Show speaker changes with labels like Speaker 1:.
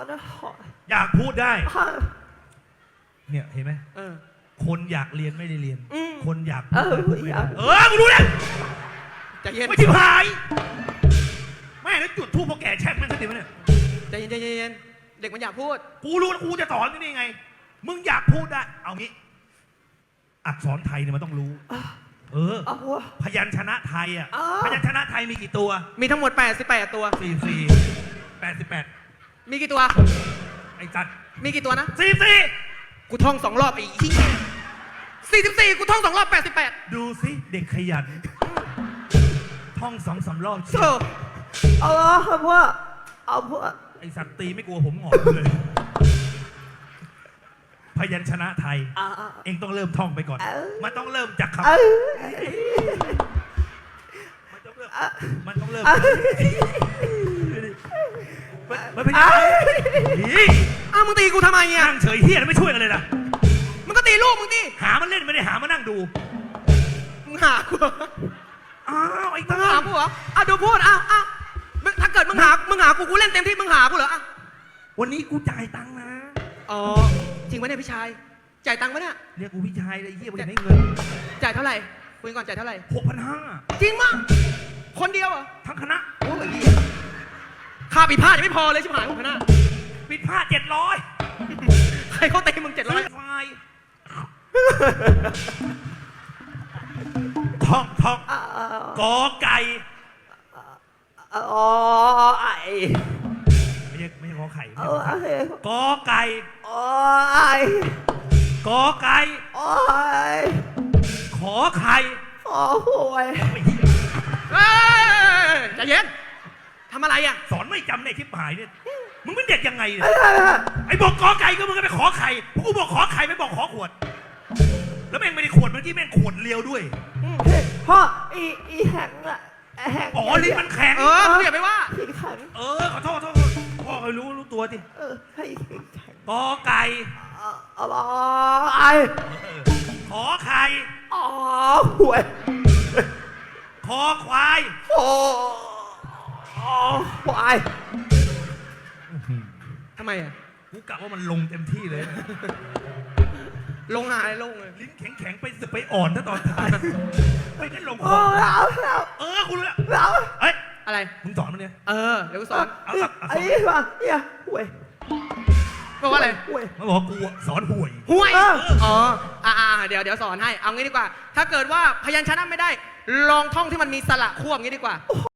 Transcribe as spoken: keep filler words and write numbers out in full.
Speaker 1: นะขอ
Speaker 2: อยากพูดได้เนี่ยเห็นไหม
Speaker 1: เออ
Speaker 2: คนอยากเรียนไม่ได้เรียนคนอยากพู
Speaker 1: เอ
Speaker 2: ด
Speaker 1: อ
Speaker 2: พูดไม่ได้เออกูรู้แล้ว
Speaker 1: ใจเย็น
Speaker 2: ไม่ชิบหายแม่แล้วจุดทูบพอแก่แช่งมันสติมันเนี่ย
Speaker 1: ใจเย็นใจเย็นเด็กมันอยากพูด
Speaker 2: กูรู้แล้วกูจะสอนนี่ไงมึงอยากพูดได้เอางี้อักษรไทยเนี่ยมันต้องรู้เออพยัญชนะไทยอ่ะพยัญชนะไทยมีกี่ตัว
Speaker 1: มีทั้งหมดแปดสิบแปดตัว
Speaker 2: สี่สี่แปดสิบแปด
Speaker 1: มีกี่ตัว
Speaker 2: ไอ้จัด
Speaker 1: มีกี่ตัวนะ
Speaker 2: สี่สี่
Speaker 1: กูท่องสองรอบไอ้ที่สี่สิบสี่กูท่องสองรอบแปดสิบแปด
Speaker 2: ดูสิเด็กขยันท่องสองสามรอบ
Speaker 1: เออเอาเอาพ่อเอาพ่อ
Speaker 2: ไอ้สัตว์ตีไม่กลัวผมหงอกเลยพยัญชนะไทยเองต้องเริ่มท่องไปก่อนมันต้องเริ่มจากคำมันต้องเริ่มมันต้องเริ่มมันเป็นยังไง
Speaker 1: อ้าวมึงตีกูทำไมเนี่ย
Speaker 2: นั่งเฉยเฮี้ยไม่ช่วยกันเลยนะ
Speaker 1: มึงก็ตีลูกมึงตี
Speaker 2: หามันเล่นไม่ได้หามานั่งดู
Speaker 1: มึงหากู
Speaker 2: อ้าวไอ้ตา
Speaker 1: หากูเหรออ่ะดูพูดอ้าวอ้าวถ้าเกิดมึงหามึงหากูกูเล่นเต็มที่มึงหากูเหรออ่ะ
Speaker 2: วันนี้กูจ่ายตังค์นะ
Speaker 1: อ๋อจริงไหมเนี่ยพี่ชายจ่ายตังค์ไหมเนี่ย
Speaker 2: เรียกกูพี่ชายเลยเฮี้ยกูอยากได้เงิน
Speaker 1: จ่ายเท่าไหร่คุยก่อนจ่ายเท่าไหร่
Speaker 2: หกพันห้า
Speaker 1: จริงมั้งคนเดียวเหรอ
Speaker 2: ทั้งคณะ
Speaker 1: โอ้ยค่าปิดผ้ายังไม่พอเลยชิบหายหกพันห้า
Speaker 2: ปิดผ้าเจ็ดร้อย
Speaker 1: ใครเขาเตะมึงเจ็ดร้อย
Speaker 2: ไฟท่องท่องกอไก่
Speaker 1: อ๋อไอ
Speaker 2: ไม่ใช่ไม่ใช่ขอไข่กอไก่
Speaker 1: อ๋อไอก
Speaker 2: อไก่
Speaker 1: อ๋อไอ
Speaker 2: ขอไข่
Speaker 1: ขอหวยใจเย็นทำอะไรอ่ะ
Speaker 2: สอนไม่จำในทิพหายเนี่ยมึงเป็นเด็กยังไงเนี่ยไอ้บอกกอไก่ก็มึงก็ไปขอไข่พวกกูบอกขอไข่ไม่บอกขอขวดแล้วแม่งไม่ได้ขวดเมื่อกี้แม่งขวดเลียวด้วย
Speaker 1: พ่ออีอีแข็งอะแข็ง
Speaker 2: อ๋อลิ้นมันแข็ง
Speaker 1: เออมึงอย่าไปว่า
Speaker 2: แข็งเออขอโทษขอโทษพ่อเคยรู้รู้ตัวสิ
Speaker 1: เออให้แข็ง
Speaker 2: กอไก่
Speaker 1: อ๋อไอ
Speaker 2: ขอไข่
Speaker 1: อ๋อหวย
Speaker 2: คอควาย
Speaker 1: โอ้ควายทำไมอ่ะ
Speaker 2: กูกะว่ามันลงเต็มที่เลย
Speaker 1: ลงหายลงเลย
Speaker 2: ลิ้นแข็งแข็งไปสึกไปอ่อนถ้าตอนท้ายไม่ได้ลงคอเออคุณรู้แล้วเอ้ย
Speaker 1: อะไร
Speaker 2: มึงสอนมันเนี่ย
Speaker 1: เออเดี๋ยวกูสอน
Speaker 2: เอา
Speaker 1: ไอ้ว่าเนี่ยหวยบอกว่าอะไร
Speaker 2: หวยมันบอกกูสอนหวย
Speaker 1: หวยอ๋ออ่าเดี๋ยวเดี๋ยวสอนให้เอางี้ดีกว่าถ้าเกิดว่าพยัญชนะไม่ได้ลองท่องที่มันมีสระควบงี้ดีกว่า